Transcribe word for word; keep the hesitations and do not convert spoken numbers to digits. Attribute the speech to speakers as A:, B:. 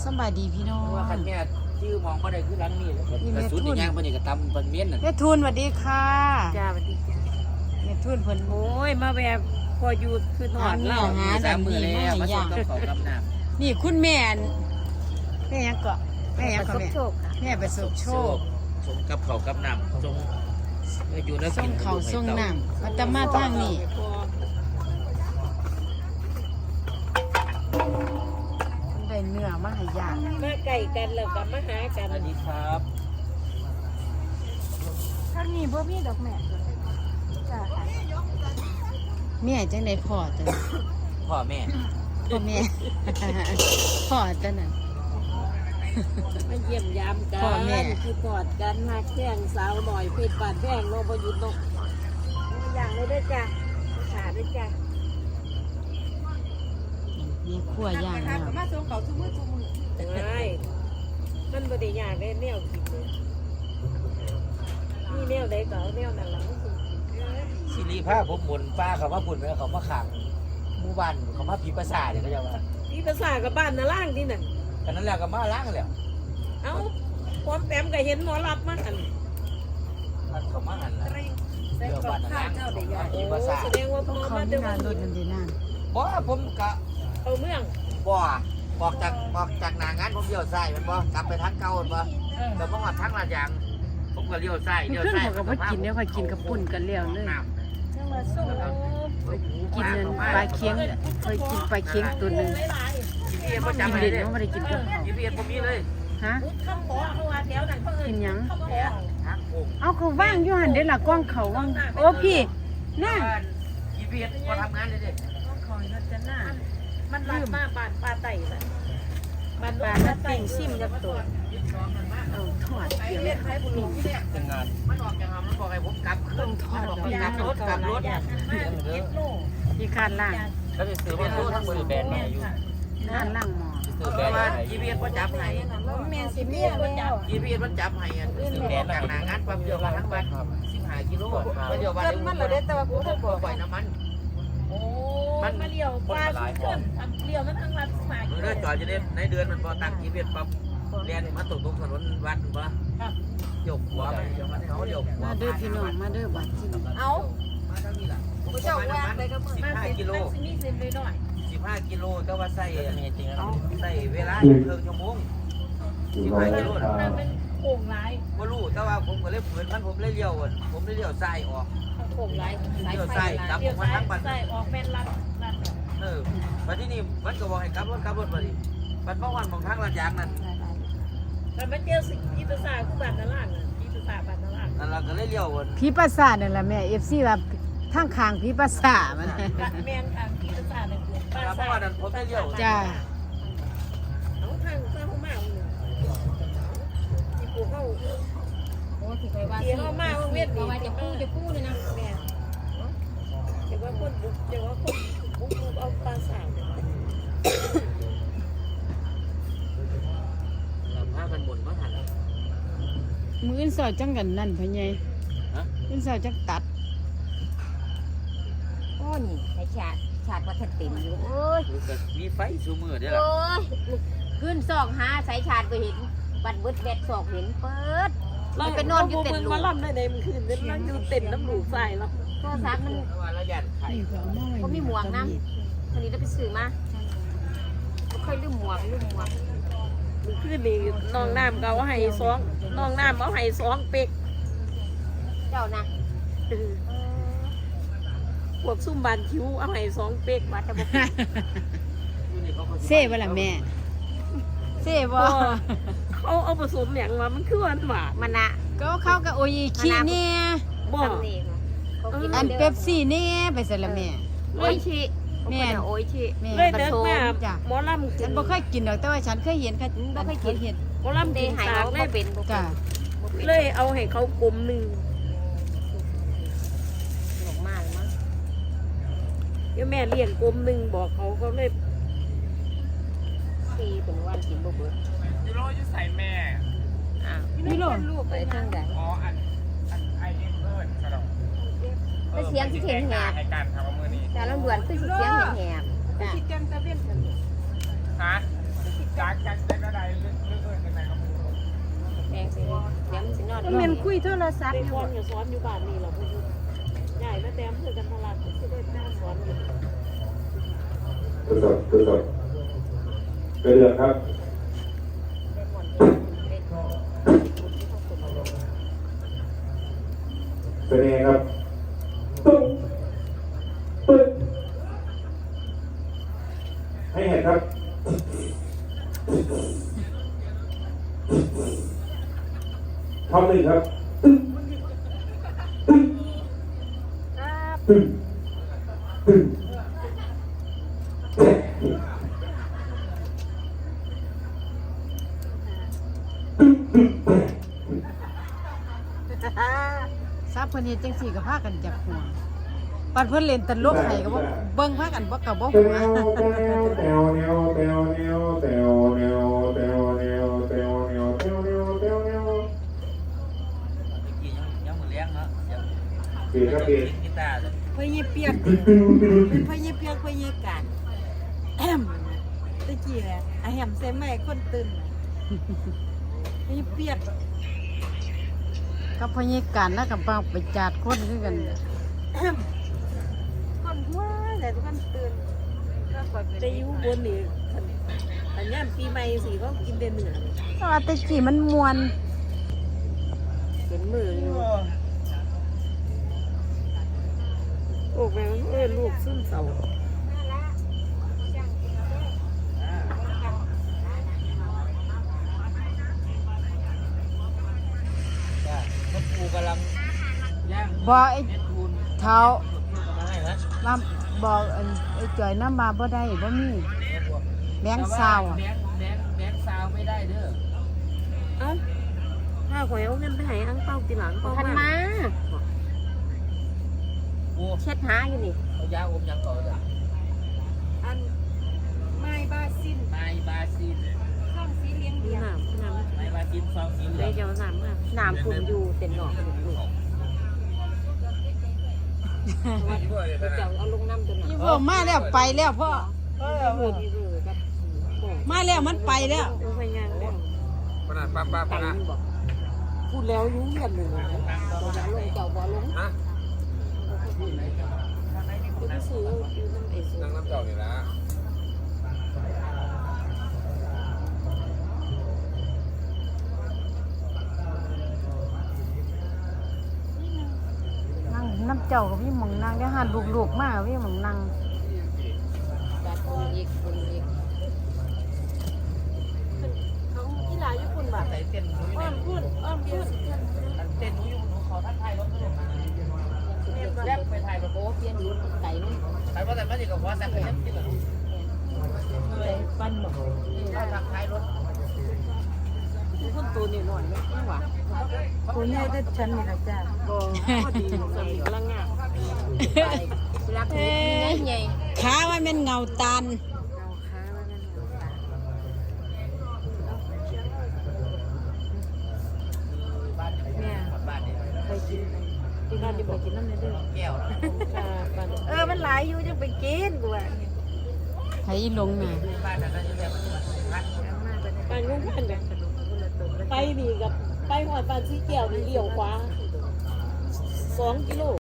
A: สบายดีพี่น้อง
B: ว่าคันแม่ชื่อมองบ่ได้คือหลังนี่กระสุนอีหยังเพิ่นนี่ก็ตำเพิ่นเมียนน่ะ
A: แม่ทุนสวัสดีค่ะ
C: จ้าสวัสดีจ้า
A: แม่ทุนเพิ่น
C: โอ้ยมาแบบพออยู่คือหอดเล่า
A: หา
B: สามมื้อแล้วมาส่งกับข้าวกับน้ำ
A: นี่คุณแม่แม่ยังเกาะแม่ยังเกาะแม่
C: โชคค่ะ
A: แม่ประสบโชค
B: ส่งกับข้าวกับน้ำส่งอยู่แล้ว
A: ส่
B: กิ
A: ง
B: น
A: เขาส่งน้ำมาตมาทางนี้ได้เนื้อมาให้ย่าง
C: มาไก่กันแล้วก็มาหากัน
B: สวัสดีครับ
D: ทางนี้บ่มีดอกแม่จ้ะ
A: แม่จังได๋พ่อจัง
B: พ่อแม่
A: พ่อแม่ พ่อจังนั้น
C: มาเยี่ยมยามกั
A: พ่อแม่
C: นคือกอดกันมาแข่งสาวหน่อยเพชรบาดแพงโลบหยุดนกอย่างเลยด้วยจ้ะขาด้วยจ้ะ
A: มีขั้วย่างแล้ว
D: มาส่งเขาทุกมื้อทุกมื้อ
C: ไม่มันบ่ได้ยากได้แนวกินเลยนี่แนวใดก็เอาแนวนั้นล่ะมันสิกิน
B: สิริภาผมหมุนป้าเขามาปุ่นแล้วเขามาขังหมู่บ้านเขามาผีประสาทเนี่ยเขาจะว่า
C: พี่ภาษากับบ้านน่ะล่างที่นั่น
B: กันนั้นแล้วก็มาล้างแล้ว
C: เอ้าพร้อมแปมก็เห็นหมอรับมาหัน
B: มันเขามาหันแล้ว
C: ใส่กับข้าวเจ้าได้ยากโอ้
B: ผีประสาท
C: แสดงว่าพ่อ
A: เขา
C: มา
A: มี
C: เดิ
A: งานรถนั่นดีนั่น
B: บ่ผมกะ
C: เอาเมือง
B: บ่ออกจากออกจากหน้างานผมเลี้ยวซ้ายแม่นบ่กลับไปทางเก่าแม่นบ่แต่บ่ฮอดทางลาดยางผมก็เลี้ยวซ้ายเลี้ยว
A: ขึ้น
B: ซ้าย
A: เขาก็บ่กินแล้วค่อยกินกับปุ่นกันแล้วเลย
D: จังหวัดสุโขทัย
A: กินนั่นปลาเคียงเคยกินปลาเคียงตัวหนึง
B: จีพีเอสบ่
A: กิ
B: จำ
A: น
B: ให้
A: เด่น
B: เด้
A: เขาไม่ได้กินกับเขา
B: จีพีเอสบ่มีเลย
A: ฮะ
C: ข้าวขอเขาว่าแถวนั้นเขาเอ่ย
A: กินหยัง
C: ข้าวขอ
B: ทางโค้ง
A: เอาเขาว่างอยู่หันเด้ล่ะกล้องเขาว่างโอ้พี่น่า
B: จีพีเอสบ่ทำงานเลยเด้
C: คอยนัดจะหน้ามันรัดมาบานปลาไต่น่ะบานปลาไต่ซิมกับตัว
A: เอาทอดเดี๋ยว
B: จังงานมันออกจากมันบอกให้ผมกลับขึ้นทอดกลับรถกลับรถเด้อ
A: พี่คาดล่าง
B: แล้วไปซื้อมาซื้อทั้งซื้อแบรนด์มาอยู่
A: คาดล่างหมอ
B: ซื้อแบรนด์มาจีพีเอสบ่จับให้
D: แม่สิเมียแล้ว
B: จีพีเอสมันจับให้ซื้อแบรนด์จากหน้างานปั๊บเดียวมาทั้งวันสิบห้ากิโลมาเดียววัน
D: เกินมันละเด้แต่ว่ากูบ่บอก
B: ปล่อยน้ำมัน
C: โอ้มันมาเลี้ยวปลาขึ้นเลี้ยวมันทั้งรัดสาย
B: เรือจอดจะได้ในเดือนมันพอตั้งจีพีเอสปั๊บเรียนมาตกตรงถนนวัดบ่ยกหัวไปเดี๋ยวมันเขายกหัว
A: มาเด้อพี่น้องมาเด้อบัดที่นี่
D: เอา
B: มาทางนี้ล่ะ
D: ผู้เจ้าว่าไปกับมึง
B: สิบ
C: มา
B: ห้า
C: เซ็น
B: กิโล
C: มันมีเซ็นเลยหน่อย
B: สิบห้ากิโลแต่ว่าใส่ใส่เวลาครึ่งชั่วโมงสิบห้ากิโล
C: มันเป็นโค้งร้าย
B: บ่รู้แต่ว่าผมก็เลยฝืนมันผมเลยเลี้ยวผมเลยเลี้ยวซ้ายออก
C: โค้งร้ายสาย
B: เลี้ยว
C: ไฟ
B: ซ้ายกลับ
C: เลี้ยว
B: มา
C: ซ้าย
B: ทางบ้าน
C: ซ้ายออกเป็นรัดรัด
B: เออมาที่นี่มันก็บอกให้กลับรถกลับรถมาดิมันเพราะวันของทางลาดยางนั่น
C: แต่มันเจอสิ่งที่ภาษาคือบ้านนาล่างอ่ะที่ภาษาบ้านนาล่าง
B: นั่นเราก็เลยเลี้ยววน
A: พี่ประสาทนั่นแหละแม่ เอฟ ซี ว่าทางข้างพี่ประสาทมัน
C: แมนค่ะที่ภาษาเนี่ยคือภา
B: เพ
C: ษา
B: ราะว่านั้นผมได้เลี้ยว
A: จ้า
C: เอาทางเข้ามาที่ปูเข้า
D: โอ้สิไปว่า
C: เที่ยวมาเวียด
D: ว่าจะกู้จะกู้เลยนะ
C: แม่เดี๋ยวว่าคนบุกเดี๋ยวว่าคนบุกเอาปลาสาว
B: เราพากันบ่นมาหัน
A: มืออื่นสอดจังกันนั่นพ่อใหญ่
B: ฮะ
A: อื่นสอดจังตัด
D: โอ้นี่ให้ชาติชาติว่าทันเต็มอยู่โอ้ย
B: มีไฟสูมือเด้อล่ะ
D: โอ้ยขึ้นซอกหาสายชาติก็เห็นบัดเบิดแวดซอกเห็นเปิดมันไปนอนอยู่เต็นท์ลู
C: มาก ล่ำได้ในมันคืนเป็นมันอยู่เต็นน้ำหลูใส่แล้ว
D: โทรศัพท์มัน
B: เพราะว่าเราย่านไข่
A: นี่ก็เอามาไว้
D: เขามีหมวกน้ำวันนี้เราไปซื้อมาไม่ค่อยลืมหมวกลืมหมวก
C: คืนนี้น้องน้ำเขาให้สองน้องน้ำเขาให้สองเป็ก
D: เจ้านะ
C: พวกซุ่มบานคิ้วเอาให้สองเป็ก
D: ว่าจะบอก
A: เซ่บ่ล่ะแม่เซ่บ่
C: เขาเอาผสมอย่างมามันคือหวานหวาน
D: มันนะ
A: ก็เข้ากับโออิชิเนี่ย
C: บ่
D: ทำนี่เขากิน
A: อันเป๊ปซี่เนี่ยไปใส่ละแม่
D: โอ้ยชิแม่โอ้ยชิ
A: แม่
C: เลยเดินมา
A: จ้ะ
C: หมอลำ
A: ฉันบ่เคยกินดอกแต่ว่าฉันเคยเห็นค่ะบ่เคยกินเห็ด
C: หมอลำ
D: เด
C: กิน
D: หาย
C: สาก
D: เขา
C: เล
D: ก็
C: ย
D: เป็นบ่
A: จ้ะ
C: เลยเอาให้เขากลมหนึ่ง
D: หลงมาแล้วมั้ง
C: เดี๋ยวแม่เลี้ยงกลมหนึ่งบอกเขาเขาเลย
D: ซีเป็นวันกินบ่เบิด
E: ยูโรอยู่ใส่แม่
D: อ้าว
A: นี่โล
C: ลูก
D: ไปทางใด
E: อ๋อ อัน อันไอเอ็นเอิร์ดกระดอง
D: ไปเสียงที่เสียงแหบ
E: ให้การทำมือนี้
D: แต่ลำดวนคือสิเสียงแหบๆจ้ะ
C: คิดกันตะเวียนกัน
E: ฮะจากจากได้ก็ได้
A: ก็แม่นคุยโทรศัพท์
C: เด็
A: อก ยู่
C: คนก็สอนอยู่บ้านนี่แหละพ่อยุทธใหญ่มาแต้มเพื่อกันทลาดก็ได้นั่งสอนอยู่
F: ทดสอบทดสอบกระเดือกครับเป็นไงครับตุ้งปึ้งให้เห็นครับทำหนึ่งครับตึ้งตึ้งตึ้งตึ้ง
A: ซับเพิ่นเฮ็ดจังซี่ก็พากันจับหัวปัดเพิ่นเล่นตลกให้ก็บ่เบิ่งพากันบ่ก็บ่
F: แต
A: หัว
F: วแตวแตวแนวแตวแนวแตวแนวแตวแนวแตวแนวแตวแนวแตวแนว
B: ตะกี้ยังยังมือเลี้ยงเนาะยัง
F: เปลี่ยนครับเปลี่ยน
B: กีตาร์
C: พ่อเยี่เปียก
F: ตึ้งตึ้งตึ้ง
C: เป็นพ่อเยี่เปียกพ่อเยี่กันแอมตะกี้แหละอะแฮมใส่แม่คนตื่นพ่อเยี่เปียก
A: กับพญิการแล้วกับไปจาดคนคือกัน
C: คนหัวแต่ทุกคนตื่นแต่อยู่บนนี่อันนี้ปีใหม่สิเขากินเดือนเหนือ
A: เพราะว่าแต่กี้มันม่วน
C: เป็นมืออยู่โอ้แม่เอ้ยลูกซึมเศร้า
B: ก็ปูกำลังย่าง
A: บ่ไอ้
B: เม็ดทูน
A: เท้า
B: มาให้นะ
A: มาบอกอันไอ้จ่อยน้ำมาบ่ได้บ่มีแบงค์ซาวอะ
B: แบงค์แบงค์แบงค์ซาวไม่ได้เด้อ
C: เอ้าถ้าข่อยเอาเงินไปให้อังเป้าทีหลังเป้า
D: ทันมา
B: ปู
D: เช็ดหาอยู่นี่
B: เอายาอมยังก่อนเลย
C: อันไม้บาซิน
B: ไมบาซิน
C: ข้องสีเลี้ยงเลี้ยงน้ำน้ำ
B: ไมบาซินซองสีเหลื
C: เล
B: อย ง
C: เจ้าน้ำมา
D: น้ำฝุ่นอยู่เต็มหนอกอยู่ลูกเจ้าเอาลงน้ำตัวหนั
A: อี
D: ก
A: พวกมาแล้วไปแล้วพ่อ
C: เออเออเออครับ
A: มาแล้วมันไปแล้ว
C: เอาไปงานแล้ว
E: ปนาป้าป้า
D: ไป
E: ปนา
D: มันบอก
C: พูดแล้วรู้เรื่องเลยนะ
D: ตัวจะลงเจ้าบ่ลง
E: ฮะ
C: คือไปซื้ออยู่น้ำเอส
E: นั่งน้ำเจ้านี่ละ
A: นั่งน้ำเจ้ากับพี่หมองนั่งเดี๋ยวหันลูกๆมาพี่หมองนั่ง
D: จัดคนอีกคนอีก
C: เขากีฬาญี่ปุ่นแบบ
B: ใส่เต้นหนู
C: อ้อมพูดอ้อมพูด
B: เต้นหนูอยู่หนูขอท่านไทยรถด้วยแรกไปถ่ายกับโบ๊
D: เปลี่ยนรุ่นไก่นี่
B: ใครว่าแต่ไม่ได้กับหัวแต่ก็ยังที่แบบ
C: เลยฟันบอก
B: ว่าทางท้ายรถ
C: คนตัวนี่หน่อยไม่หวาน
A: คุณแม่ได้ฉันนี่ละจ้า
C: ก็พอดีสามีกำลังงาน
D: รักนี่ใหญ่
A: ขาว่าเป็นเงาตาล
C: เอาค้าไว้นั่น
B: บ้านแม่บ้านเนี่ย
C: ไปกินที่บ้านที่ไปกินน้ำเนี่ยเด้อ
B: แก้วนะ
C: เออมันหลายอยู่จังไปกินกูว่า
A: ไผลงน่ะ
B: บ้านนั้นก็จะเรียกว่าพัด
C: ไปงุ้งกันแบบไปนี่กับไปหอดปานสีเกี่ยวนี่เลี้ยวขวาสองกิโล